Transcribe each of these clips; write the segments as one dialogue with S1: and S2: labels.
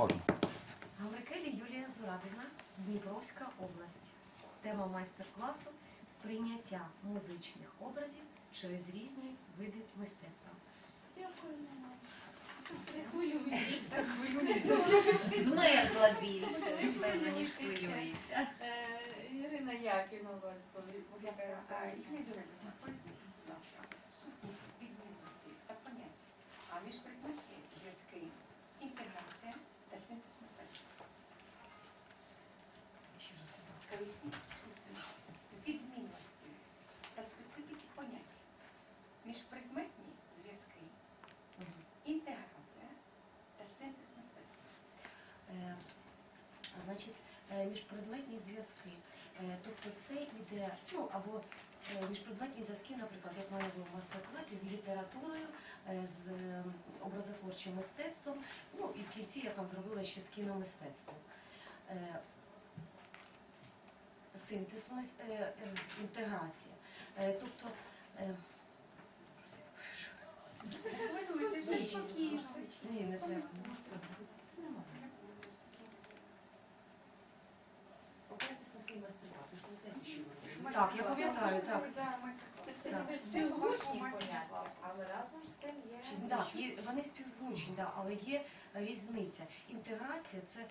S1: Можна.
S2: Гаврикелі Юлія Зурабівна, Дніпровська область. Тема майстер-класу – сприйняття музичних образів через різні види мистецтва.
S3: Дякую. Не хвилююся.
S4: Змерзла більше, певно, ніж хвилюється.
S3: Ірина Якінова,
S5: Сутність відмінності та поняття, а міжпредметні зв'язки, інтеграція та синтез мистецтва. Поясніть сутність, відмінності та специфіки понять, міжпредметні зв'язки, інтеграція та синтез мистецтва.
S2: Значить, міжпредметні зв'язки. Тобто це йде, або міжпредметні зв'язки, наприклад, як в мене було в майстер-класі, з літературою, з образотворчим мистецтвом, і в кінці я там зробила ще з кіномистецтвом. Синтез, інтеграція. Тобто,
S5: Хвилюйтеся спокійно.
S2: ні, не треба. Покайтесь на свій майстер-клас. Так, я пам'ятаю, так.
S3: це співзвучні поняття, але разом з тим є...
S2: Так, вони співзвучні, але є різниця. Інтеграція – це,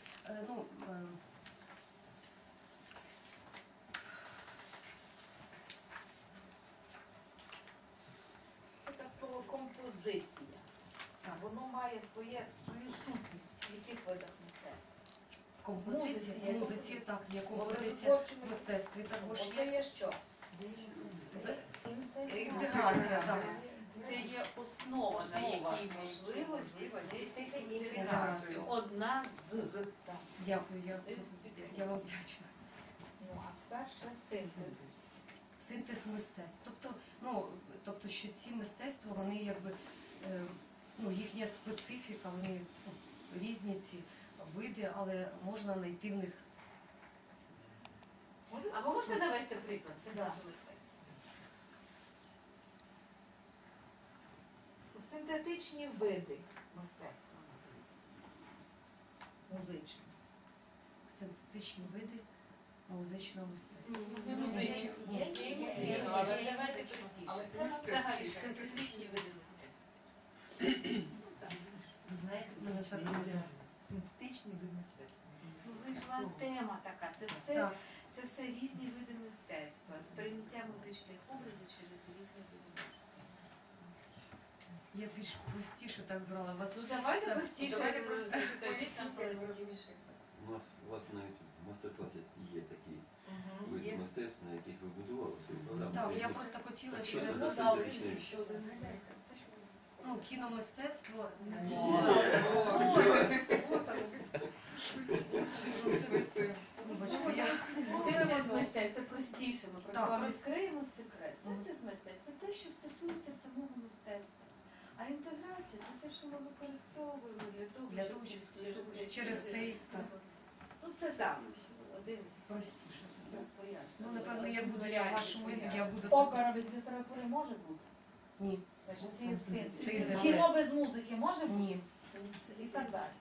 S6: Це слово композиція. Воно має свою сутність в яких видах мистецтва.
S2: композиція, музиці, так, є композиція в мистецтві також
S6: Це
S2: є.
S6: є що?
S2: Інтеграція, так.
S3: Це є основа, на якій можливості здійснити інтеграцію. Одна з.
S2: Дякую, я вам вдячна.
S3: Ну, а перша синтез.
S2: Синтез мистецтв. Тобто, що ці мистецтва, вони якби, їхня специфіка, вони різні ці види, але можна знайти в них.
S3: А ви можете навести приклад синтезу мистецтва?
S6: Синтетичні види мистецтва. Музичного.
S2: Синтетичні види музичного мистецтва.
S3: Не музично. Є музично, але давайте простіше.
S5: Але це
S3: Взагалі синтетичні види мистецтва.
S2: Ви знаєте, мене все буде.
S6: Синтетичні види мистецтва.
S3: Ви ж у вас тема така.
S2: Так.
S3: Це все різні види мистецтва. Сприйняття музичних образів через різні види мистецтва.
S2: Я більш простіше так брала вас.
S3: Ну давайте
S2: Так,
S3: простіше,
S5: давайте просто
S3: скажіть нам простіше.
S7: У вас навіть в майстер-класі є такі
S3: Є.
S7: види мистецтв, на яких ви будували свою програму.
S2: Так,
S7: Це
S2: я
S7: є-
S2: просто хотіла
S7: Так,
S2: через
S7: що це синтетичний?
S2: кіномистецтво. Вибачте,
S3: Синтез мистецтва, це простіше, ми просто
S2: Так,
S3: вам
S2: просто-
S3: розкриємо секрет. Синтез мистецтва – це те, що стосується самого мистецтва. А інтеграція – це те, що ми використовуємо для того, щоб
S2: через цей, так.
S3: Ну це так, один з
S2: Простіше.
S3: пояснень.
S2: Напевно, як буду я в вашому, я буду.
S6: Опера без літератури може бути?
S2: Ні.
S6: Значить, це є синтез.
S2: Синтез.
S6: Кіно без музики може бути?
S2: Ні.
S6: І так далі.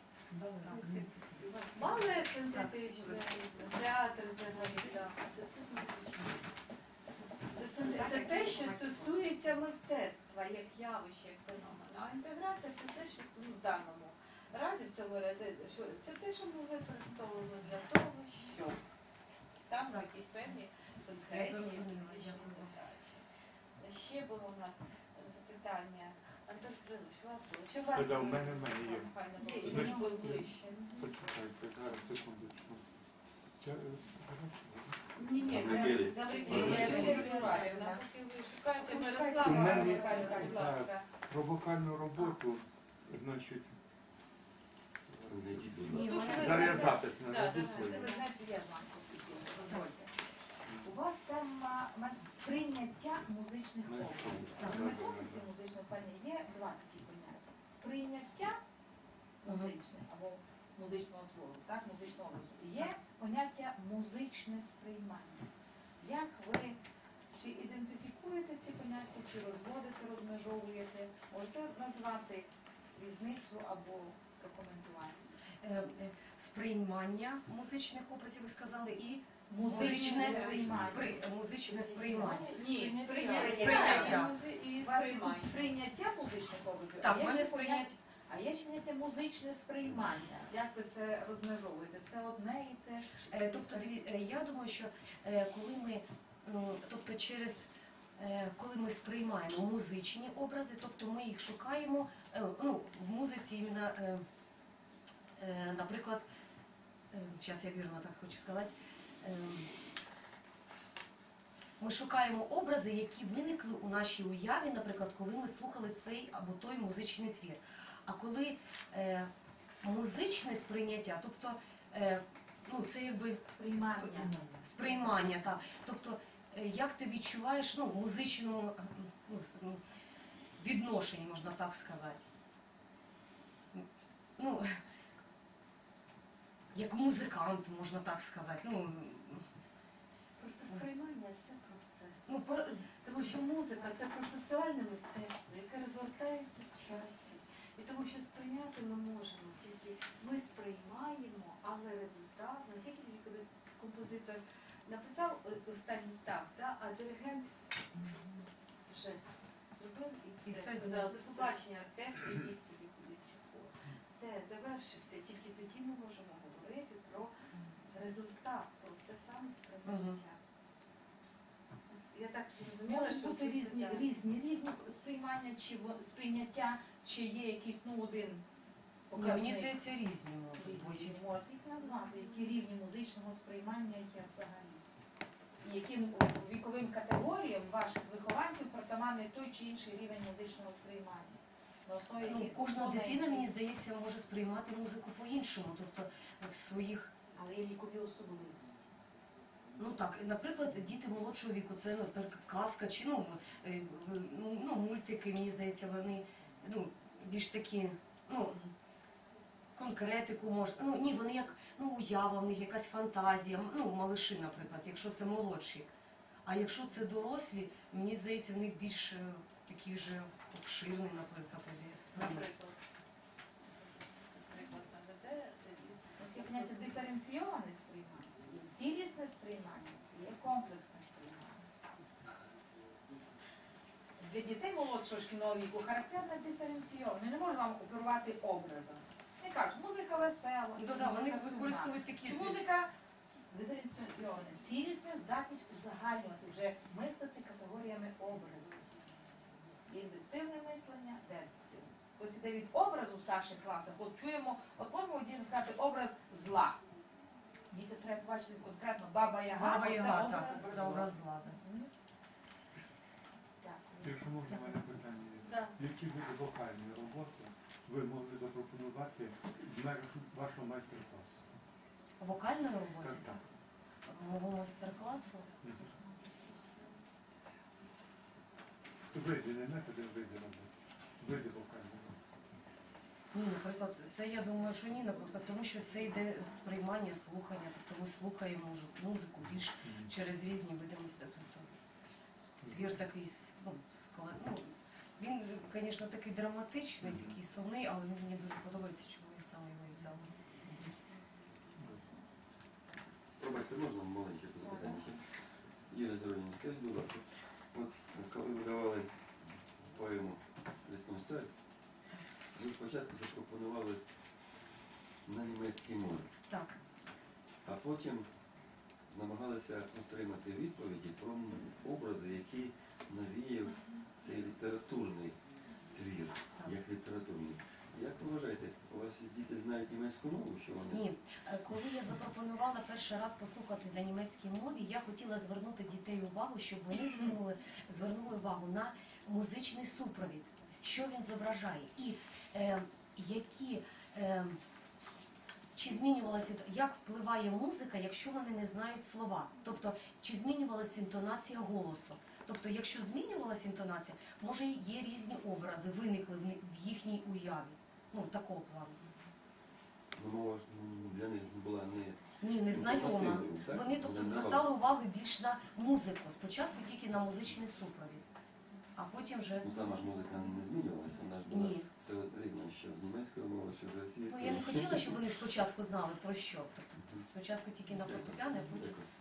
S3: Балет синтетичний, театр взагалі, так. Це все синтетичне. Це те, що стосується мистецтва, як явище, як феномена. А інтеграція – це те, що в даному разі, в цьому разі, це те, що ми використовуємо для того, щоб ставимо якісь певні конкретні
S2: зрозуміла,
S3: визначені
S2: дякую.
S3: задачі. Ще було у нас запитання. Антон Кирилович, у вас було? Чи у вас?
S8: Та-да, в мене є.
S3: Файно було.
S8: Значить,
S3: Щоб ви були ближче.
S8: Почекайте, зараз, секундочку. Це,
S3: Ні,
S7: Гаврикелі.
S3: це Гаврикелі Зурабівна. Поки ви шукаєте
S8: У
S3: Мирослава
S8: мене-
S3: Михайлівна, будь ласка.
S8: про вокальну роботу, значить,
S7: Знайдіть, будь
S2: Ні,
S7: ласка.
S2: вона-
S8: зараз я запис
S3: Так,
S8: наведу
S3: давайте,
S8: свій.
S3: ви знаєте, я з вами поспілкуюся, дозвольте.
S6: У вас там сприйняття музичних образів. В методиці музичного пані є два такі поняття. Сприйняття музичне або музичного твору, так, музичного образу. І є поняття музичне сприймання. Як ви чи ідентифікуєте ці поняття, чи розводите, розмежовуєте? Можете назвати різницю або прокоментувати?
S2: сприймання музичних образів, ви сказали, і
S6: Музичне сприймання.
S2: музичне сприймання.
S3: Ні,
S2: Сприйняття.
S3: сприйняття і
S6: У вас
S3: сприймання.
S6: тут сприйняття музичних образів,
S2: Так,
S6: а
S2: в
S6: є
S2: мене
S6: ще
S2: сприйняття.
S6: А є ще поняття музичне сприймання. Як ви це розмежовуєте? Це одне і те ж?
S2: Тобто, я думаю, що коли ми, тобто коли ми сприймаємо музичні образи, тобто ми їх шукаємо, в музиці іменно, наприклад, зараз я вірно так хочу сказати, ми шукаємо образи, які виникли у нашій уяві, наприклад, коли ми слухали цей або той музичний твір. А коли музичне сприйняття, тобто це якби сприймання, так. Тобто, як ти відчуваєш музичному відношенні, можна так сказати. Як музикант, можна так сказати.
S4: Просто сприймання це процес. Тому що музика це процесуальне мистецтво, яке розгортається в часі. І тому що сприйняти ми можемо, тільки ми сприймаємо, але результат, не тільки коли композитор написав останній так, а диригент жест зробив і все. Сказав, до побачення оркестру, ідіть собі кудись чи хор. Все, завершився. Тільки тоді ми можемо говорити про результат, про це саме сприйняття. Я так зрозуміла,
S6: Можуть
S4: що
S6: бути різні
S4: різні.
S6: сприймання чи сприйняття, чи є якийсь один
S2: Мені
S6: показник.
S2: здається, різні можуть бути.
S6: Різні. От їх назвати, які рівні музичного сприймання є взагалі. І яким віковим категоріям ваших вихованців притаманний той чи інший рівень музичного сприймання. На основі яких
S2: Кожна
S6: компонентів.
S2: дитина, мені здається, може сприймати музику по-іншому, тобто в своїх.
S6: Але є вікові особливості.
S2: Наприклад, діти молодшого віку, це казка чи мультики, мені здається, вони більш такі, конкретику можна. Ні, вони як уява, в них якась фантазія, малиші, наприклад, якщо це молодші. А якщо це дорослі, мені здається, в них більш такий вже обширний, наприклад, сприймання.
S3: Наприклад, наведе
S6: Є поняття диференційоване сприймання, є цілісне сприймання, є комплексне сприймання. Для дітей молодшого шкільного віку характерне диференційоване. Ми не можемо вам оперувати образом. Не кажуть, музика весела,
S2: Вони
S6: музика сумна.
S2: використовують такі.
S6: Чи музика диференційована, цілісне, здатність узагальнювати, вже мислити категоріями образів. Є індуктивне мислення, дедуктивне. Ось іде від образу в старших класах, от чуємо, от можемо дітям сказати образ зла. Діти треба побачити конкретно Баба Яга,
S2: Баба
S6: це
S2: Яга,
S6: образ
S2: так, за образ зла.
S6: Дякую.
S8: Якщо можна, в мене питання є.
S4: Да.
S8: Які види вокальної роботи ви могли запропонувати в межах вашого майстер-класу?
S2: Вокальної роботи,
S8: Так.
S2: мого майстер-класу.
S8: Види, не методи, а види роботи. Види вокальної роботи.
S2: Ні, наприклад, це я думаю, що ні, наприклад, тому що це йде сприймання, слухання, тобто ми слухаємо музику більш через різні види мистецтва. Твір такий, він, звісно, такий драматичний, такий сумний, але він мені дуже подобається, чому я саме його і взяла.
S7: Пробачте, можна маленьке запитання? Юрія Зороніна, скажіть, будь ласка, от коли ви давали поему «Лісний цар», ви спочатку запропонували на німецькій мові,
S2: Так.
S7: а потім намагалися отримати відповіді про образи, які навіяв цей літературний твір, як літературний. Як ви вважаєте, у вас діти знають німецьку мову, що вони?
S2: Ні. Коли я запропонувала перший раз послухати на німецькій мові, я хотіла звернути дітей увагу, щоб вони звернули увагу на музичний супровід, що він зображає, і чи змінювалася, як впливає музика, якщо вони не знають слова. Тобто, чи змінювалася інтонація голосу. Тобто, якщо змінювалася інтонація, може є різні образи, виникли в їхній уяві. Такого плану.
S7: Мова ж для них була
S2: Не знайома.
S7: інформативною, так?
S2: Вони, тобто,
S7: Вона не
S2: звертали увагу більш на музику. Спочатку тільки на музичний супровід, а потім вже...
S7: Сама ж музика не змінювалася, вона ж була
S2: Ні.
S7: все рівно, що з німецької мови, що з російської.
S2: Я не хотіла, щоб вони спочатку знали про що. Тобто спочатку тільки на фортепіано, а потім